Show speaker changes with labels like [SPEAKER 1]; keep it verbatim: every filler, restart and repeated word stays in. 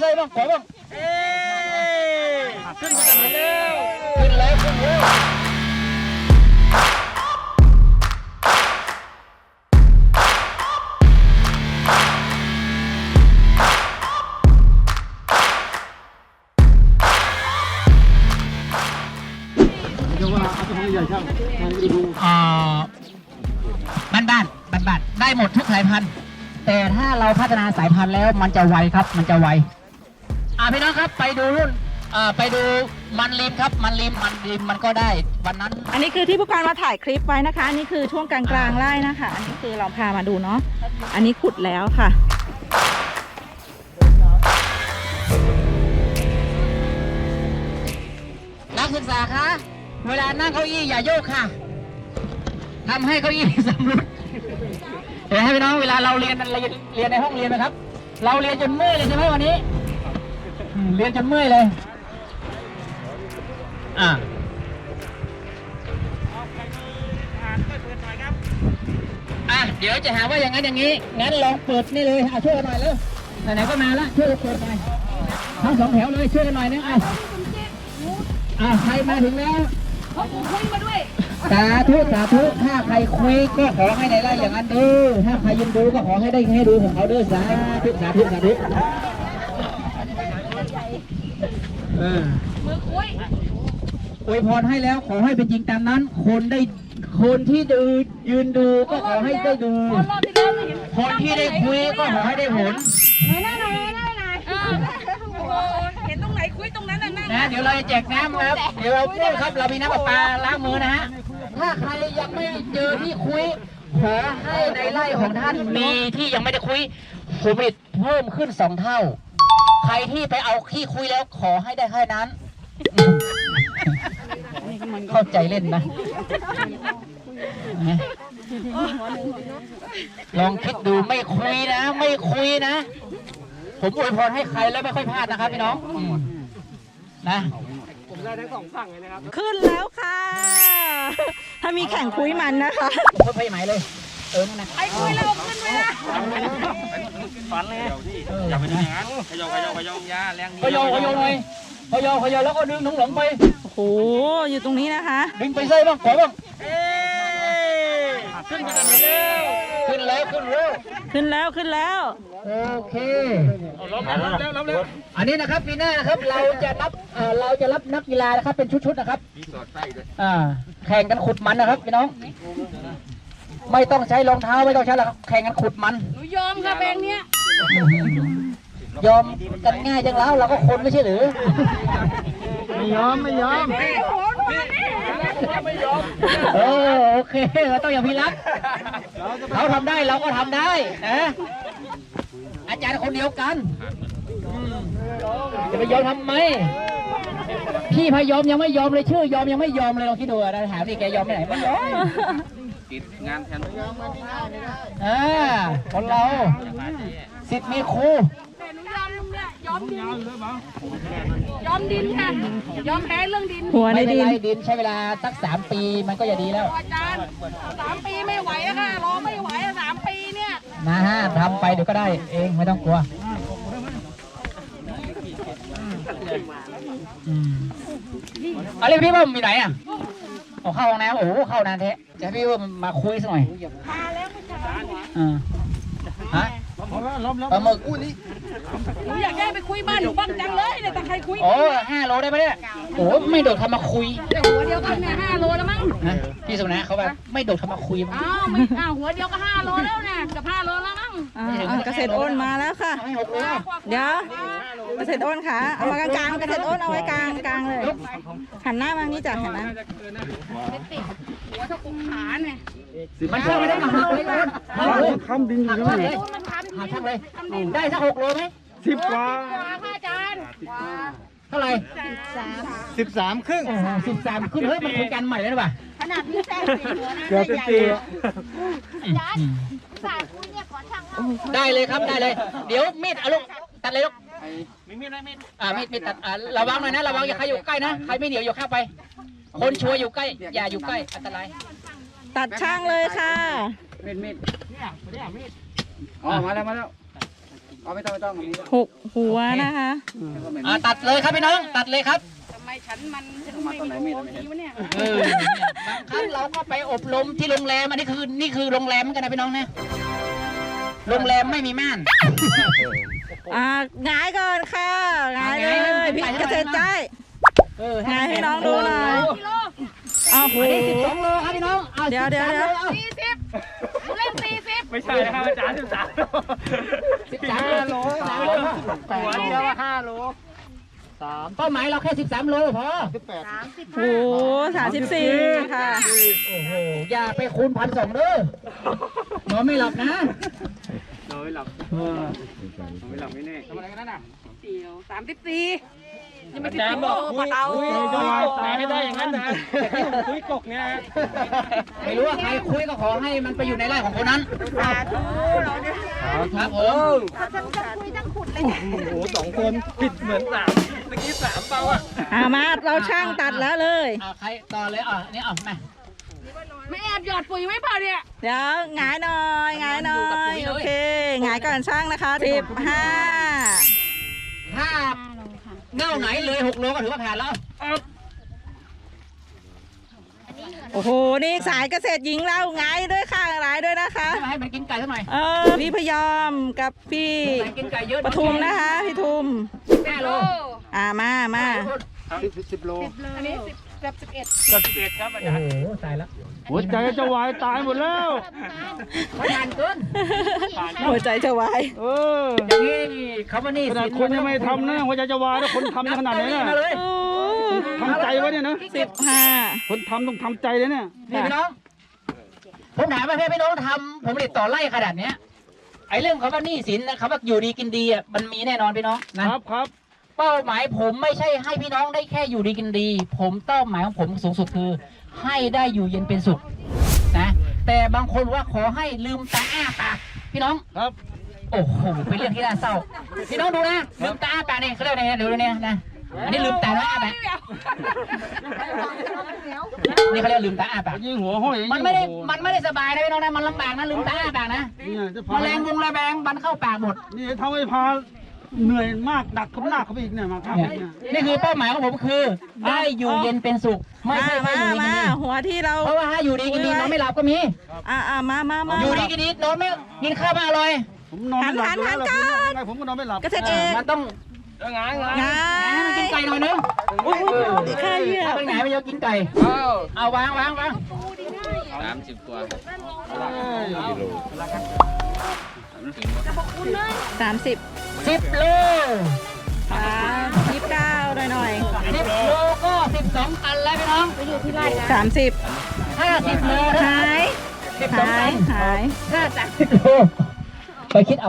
[SPEAKER 1] ส่บ้างขอบ้างเอ้ขึ้นกันมาแล้วขึ้นแล้วขึ้นแล้วอ่าบ้านบ้านบ้านบ้านได้หมดทุกสายพันธุ์แต่ถ้าเราพัฒนาสายพันธุ์แล้วมันจะไวครับมันจะไวอ่าพี่น้องครับไปดูรุ่นอ่าไปดูมันริมครับมันริมมันริมมันก็ได้วันนั้น
[SPEAKER 2] อันนี้คือที่ผู้การมาถ่ายคลิปไว้นะคะอันนี้คือช่วงกลางกลางไร่นะคะอันนี้คือเราพามาดูเนาะอันนี้ขุดแล้วค่ะ
[SPEAKER 1] นักศึกษาคะเวลานั่งเก้าอี้อย่าโยกค่ะทำให้เก้าอี้สำรุดเดี๋ยวให้พี่น้องเวลาเราเรียนเรียนเรียนในห้องเรียนนะครับเราเรียนจนเมื่อยเลยใช่ไหมวันนี้เรียนจนเมื่อยเลยอ่าอ่ะเดี๋ยวจะหาว่าอย่างนั้นอย่างนี้งั้นลองเปิดนี่เลยเอาช่วยกันหน่อยเลยไหนๆก็มาแล้วช่วยกันเปิดหน่อยทั้งสองแถวเลยช่วยกันหน่อยนะอ่ะอ่ะใครมาถึงแล้วพ่อปู่คุยมาด้วยสาธุสาธุถ้าใครคุยก็ขอให้ในไร่อย่างนั้นดูถ้าใครยืนดูก็ขอให้ได้ให้ดูของเขาด้วยสาธุสาธุสาธุเออมือคุยอวยพรให้แล้วขอให้เป็นจริงตามนั้นคนได้คนที่ดูยืนดูก็ขอให้ได้ดูคนที่ได้คุยก็ขอให้ได้ผล
[SPEAKER 2] เห็นตรงไหนคุยตรงนั้นน่ะนั่น
[SPEAKER 1] นะเดี๋ยวเราจะแจกน้ำครับเดี๋ยวเราพูดครับเรามีน้ำประปาล้างมือนะฮะถ้าใครยังไม่เจอที่คุยขอให้ในไร่ของท่านมีที่ยังไม่ได้คุยผลผลิตเพิ่มขึ้นสองเท่าใครที่ไปเอาที่คุยแล้วขอให้ได้แค่นั้นเข้าใจเล่นนะลองคิดดูไม่คุยนะไม่คุยนะผมอวยพรให้ใครแล้วไม่ค่อยพลาดนะครับพี่น้องนะผมได้ทั้งสองฝั่งเลยนะครับ
[SPEAKER 2] ขึ้นแล้วค่ะถ้ามีแข่งคุยมันนะคะ
[SPEAKER 1] เพิ่มไปไหมเลยเออนะ
[SPEAKER 2] ไอ้คุยเราขึ้นไปนะ
[SPEAKER 3] ฝันเลยอย่าไปทำอย่างนั้นขยอขยอขยอยาแรงดี
[SPEAKER 1] ขยอขยอหน่อยขยอขยอแล้วก็ดึงน้องหลงไป
[SPEAKER 2] โอ้โหอยู่ตรงนี้นะคะ
[SPEAKER 1] ดึงไปใส่บ้างขอบ้างขึ้นกันมาแล้วขึ้นแล้วขึ้นแล้ว
[SPEAKER 2] ขึ้นแล้วขึ้นแล้ว
[SPEAKER 1] โอเคล้มแล้วล้มแล้วล้มแล้วอันนี้นะครับปีหน้านะครับเราจะรับเอ่อเราจะรับนักกีฬานะครับเป็นชุดๆนะครับอ่าแข่งกันขุดมันนะครับพี่น้องไม่ต้องใช้รองเท้าไม่ต้องใช้แล้วแข่งกันขุดมัน
[SPEAKER 2] หนูยอมค่ะแบงเนี้ย
[SPEAKER 1] ยอมกันง่ายจังแล้วเราก็คนไม่ใช่หรือ
[SPEAKER 3] ไม่ยอมไม่ยอม
[SPEAKER 1] ไม่ยอมเออโอเคเราต้องอย่างพี่รักเขาทำได้เราก็ทำได้นะอาจารย์คนเดียวกันจะไปยอมทำไมพี่พยอมยังไม่ยอมเลยชื่อยอมยังไม่ยอมเลยเราคิดดูนะถามดิแกยอมไปไหนไม่ยอม
[SPEAKER 3] ติดงานแทน
[SPEAKER 1] อ่าคนเราสิทธิ์มีครู
[SPEAKER 2] แต่หนูยอมเนี่ยยอมดินยอมดินค่ะยอมแพ้เรื่องดิน
[SPEAKER 1] หัวในดินดินใช้เวลาสักสามปีมันก็จะดีแล้ว
[SPEAKER 2] อาจารย์สามปีไม่ไหวอะค่ะรอไม่ไหวสามปีเนี่ย
[SPEAKER 1] นะฮะทำไปเดี๋ยวก็ได้เองไม่ต้องกลัวอะไรพี่ว่ามีไหนอ่ะโอ้เข้าห้องน้ำโอ้เข้านานแท้จะพี่ว่ามาคุยสักหน่อย
[SPEAKER 2] มาแล้วผู้ชาย
[SPEAKER 1] อ่าฮะปลาหมึกอู้นี่
[SPEAKER 2] หนูอยากได้ไปคุยบ้านหนูบ้างจังเลยเนี่ยแต่ใครคุย
[SPEAKER 1] โอ้ห้าโลได้ไหมเนี่ยโอ้ไม่โดดทำมาคุย
[SPEAKER 2] หัวเดียวกันเนี่ยห้าโลแล้วมั้ง
[SPEAKER 1] นะพี่สุนัขเขาแบบไม่โดดทำมาคุย
[SPEAKER 2] อ้าวไม่อ้าวหัวเดียวก็ห้าโลแล้วเนี่ยกับห้าโลแล้วมั้งเกษตรอ้นมาแล้วค่ะเดี๋ยวเกษตรอ้นค่ะเอามากลางๆเกษตรอ้นเอาไว้กลางกลางเลยหันหน้ามานี่จ้ะหันหน้าหัวเท่ากุมขาเนี่ย
[SPEAKER 1] มันเชื่อไม่ได้มาหักเลยหักเลย
[SPEAKER 3] ทำดิน
[SPEAKER 1] หักเลยหักช่างเลยได้สักหกโลไหม
[SPEAKER 3] สิบกว่า
[SPEAKER 2] อาจารย์
[SPEAKER 1] เท่าไหร่
[SPEAKER 3] สิบสามครึ่ง
[SPEAKER 1] สิบสามครึ่งเฮ้ยมันคุยกันใหม่เลยนะป่ะ
[SPEAKER 2] ขนาดพี่แซงสี่หัวนะ
[SPEAKER 3] เกือบเป็นสี่
[SPEAKER 1] ได้เลยครับได้เลยเดี๋ยวมีดเอาลูกตัดเลยลูกมีมีดไหมมีดอ่ามีดมีดตัดอ่าระวังหน่อยนะระวังอย่าใครอยู่ใกล้นะใครไม่เหนียวอย่าเข้าไปคนชัวร์อยู่ใกล้อย่าอยู่ใกล้อันตราย
[SPEAKER 2] ตัดช่างเลยค่ะ
[SPEAKER 3] มีดมีดเนี่ยมีดอ๋อมาแล้วมาแล้ว
[SPEAKER 4] เอาไม่ต้องไม่ต้อง
[SPEAKER 2] หกหัวนะคะ
[SPEAKER 1] อ่าตัดเลยครับพี่น้องตัดเลยครับ
[SPEAKER 5] ทำไมฉันมันฉันไม่มีโอทีวะเนี่ย
[SPEAKER 1] เออเนี่ยบางครั้งเราก็ไปอบรมที่โรงแรมอันนี้คือนี่คือโรงแรมเหมือนกันนะพี่น้องนะโรงแรมไม่มีม่าน
[SPEAKER 2] อ่าหงายก่อนค่ะหงายเลยพี่เกษตรใจ
[SPEAKER 1] เออ
[SPEAKER 2] หงายให้น้องดูหน่อย
[SPEAKER 5] กิโล
[SPEAKER 2] อ้าวโห
[SPEAKER 1] อันนี้สิบสองโลครับพี่น้องอา
[SPEAKER 2] เดี๋ยวเดี๋ยวเดี๋ยว
[SPEAKER 1] สิบสามโล
[SPEAKER 5] สี่สิบเล่นสี่สิบ
[SPEAKER 3] ไม่ใช่นะครับอาจารย์สิบสาม
[SPEAKER 1] สิบสามโลสามโลแปดโลห้าโลสามเป้าหมายเราแค่สิบสามโลพอ
[SPEAKER 5] สามสิบ
[SPEAKER 2] โอ้โหสามสิบสี่ค่ะ
[SPEAKER 1] โอ้โหอย่าไปคูณพันสองเด้อนอนไม่หลับนะ
[SPEAKER 3] นอนไม่หลับนอนไม่หลับไม่แน่ทำอะไรกันนั่นน่ะ
[SPEAKER 5] เดียวสามสิบสี่ยังไม่
[SPEAKER 3] อา
[SPEAKER 5] สิบ
[SPEAKER 3] จาร
[SPEAKER 5] สี่
[SPEAKER 3] ย์
[SPEAKER 5] โล
[SPEAKER 3] บอก
[SPEAKER 5] ปะเตา
[SPEAKER 3] คุยจะวายตายให้ได้อย่างนั้นนะคุยกกเนี่ยนะ
[SPEAKER 1] ไม่รู้ว่าใครคุยก็ขอให้มันไปอยู่ในไร่ของคนนั้น
[SPEAKER 5] สาธุเราเนี่ย
[SPEAKER 1] ครับผม
[SPEAKER 5] ฉันจะคุยทั้งขุดเลย
[SPEAKER 3] โอ้โหสองคนผิดเหมือนสามเมื่อกี้สามเปล่าอ่ะ
[SPEAKER 2] อ่ามาเราช่างตัดแล้วเลย
[SPEAKER 1] อ่าใครต่อเลยอ่ะนี่อ่ะมา
[SPEAKER 5] ไม่แอบหยอดปุ๋ยไม่เปล่าเนี่ย
[SPEAKER 2] เดี๋ยวหงายหน่อยหงายหน่อยโอเคหงายก่อนช่างนะคะสิบห้า
[SPEAKER 1] ถ้าเง่าไหนเลยหกโลก็ถือว่าผ่านแล้ว
[SPEAKER 2] โอ้โหนี่สายเกษตรหญิงเราหงายด้วยค่ะหงายด้วยนะคะ
[SPEAKER 1] ให้ให้มันกินไก่สักหน่อย
[SPEAKER 2] เออพี่พยอมกับพี่
[SPEAKER 1] ไก่กินไก่เยอะ
[SPEAKER 2] ปทุมนะคะพี่ทุม
[SPEAKER 1] แม่โล
[SPEAKER 2] อ่ามามา
[SPEAKER 4] สิบสิบโล
[SPEAKER 5] อันนี้สิบกับสิบเอ็ด
[SPEAKER 3] กับสิบเอ็ดครับอา
[SPEAKER 1] โอ้
[SPEAKER 3] จารย์
[SPEAKER 1] โหตายแล้ว
[SPEAKER 4] หัวใจจะวายตายหมดแล้ว
[SPEAKER 1] เขาทานเกิน
[SPEAKER 2] หัวใจจะวาย
[SPEAKER 4] เออ
[SPEAKER 1] อย่างนี้เขาว่านี่
[SPEAKER 4] ขนาดคนยังไม่ทำนะหัวใจจะวายแล้วคนทำขนาดนี้
[SPEAKER 1] มา
[SPEAKER 4] นะ
[SPEAKER 1] เลย
[SPEAKER 2] โอ้
[SPEAKER 4] ทำใจไว้เนี่ยนะ
[SPEAKER 2] สิบห้า
[SPEAKER 4] คนทำต้องทำใจเลยเนี่ย
[SPEAKER 1] นี่พี่น้อง ผมถามว่าพี่น้องทำผมติดต่อไล่ขนาดเนี้ยไอ้เรื่องคำว่าหนี้สินนะคำว่าอยู่ดีกินดีอ่ะมันมีแน่นอนพี่น้องนะครับ
[SPEAKER 4] ครับ
[SPEAKER 1] เป้าหมายผมไม่ใช่ให้พี่น้องได้แค่อยู่ดีกินดี ผมเป้าหมายของผมสูงสุดคือ ให้ได้อยู่เย็นเป็นสุขนะแต่บางคนว่าขอให้ลืมตาอ้าปากพี่น้อง
[SPEAKER 4] ครับ
[SPEAKER 1] โอ้โหเป็นเรื่องที่น่าเศร้าพี่น้องดูนะลืมตาอ้าปากเนี่ยเขาเรียกอะไรนะเดี๋ยวดูเนี่ยนะอันนี้ลืมตาแล้วอ้าปากนี่เขาเรียกลืมตาอ้าปาก
[SPEAKER 4] ยิงหัวห้อย
[SPEAKER 1] มันไม่ได้มันไม่ได้สบายนะพี่น้องนะมันลำบากนะลืมตาอ้าปากนะ
[SPEAKER 4] เนี่ยจะ
[SPEAKER 1] แม
[SPEAKER 4] พา
[SPEAKER 1] ลงวงระแบงบันเข้าปากหมด
[SPEAKER 4] นี่ทำให้พาเหนื่อยมากหนักขึ้นหนักเข้าไปอีกเนี่ยมาครับ
[SPEAKER 1] เนี่ย
[SPEAKER 4] เนี่ย
[SPEAKER 1] นี่คือเป้าหมายของผมคือได้อยู่เย็นเป็นสุขไม่
[SPEAKER 2] มา
[SPEAKER 1] ใช่แค่
[SPEAKER 2] มา
[SPEAKER 1] อยู่ดีกิน
[SPEAKER 2] มา
[SPEAKER 1] ดี
[SPEAKER 2] หัวที่เรา
[SPEAKER 1] เพราะว่าถ้าอยู่ดีกินดีนอนไม่หลับก็มี
[SPEAKER 2] อ่าอ่ามามามา
[SPEAKER 1] อยู่ดีกินดีนอนไม่กินข้าวไม่อร่อย
[SPEAKER 4] ผมนอนไม่หลับ
[SPEAKER 2] หันหันหัน
[SPEAKER 4] แล้วผมก็นอนไม่หลับ
[SPEAKER 2] เกษตรเอก
[SPEAKER 1] มันต้อง
[SPEAKER 3] งานงาน
[SPEAKER 2] งา
[SPEAKER 1] ให้มันกินไก่หน่อยนึง
[SPEAKER 2] อุ้ยอุ้ยข้าเหยียบ
[SPEAKER 1] ถ้าเป็นไงไม่เยอะกินไก่เอาวางวางวาง
[SPEAKER 3] สามสิบกว่า
[SPEAKER 2] สามสิบ
[SPEAKER 1] สิบโล
[SPEAKER 2] สามยี่สิบเก้าหน่อยหน่อย
[SPEAKER 1] สิบโลก็สิบสองตันแล้วพี่น้อง
[SPEAKER 2] สามสิบ
[SPEAKER 1] ห้าสิบโล
[SPEAKER 2] หาย
[SPEAKER 1] สิบสอง
[SPEAKER 2] หา
[SPEAKER 1] ตั
[SPEAKER 2] ย
[SPEAKER 1] น
[SPEAKER 2] หาย
[SPEAKER 1] ถ้าสามสิบโลไปคิดเอา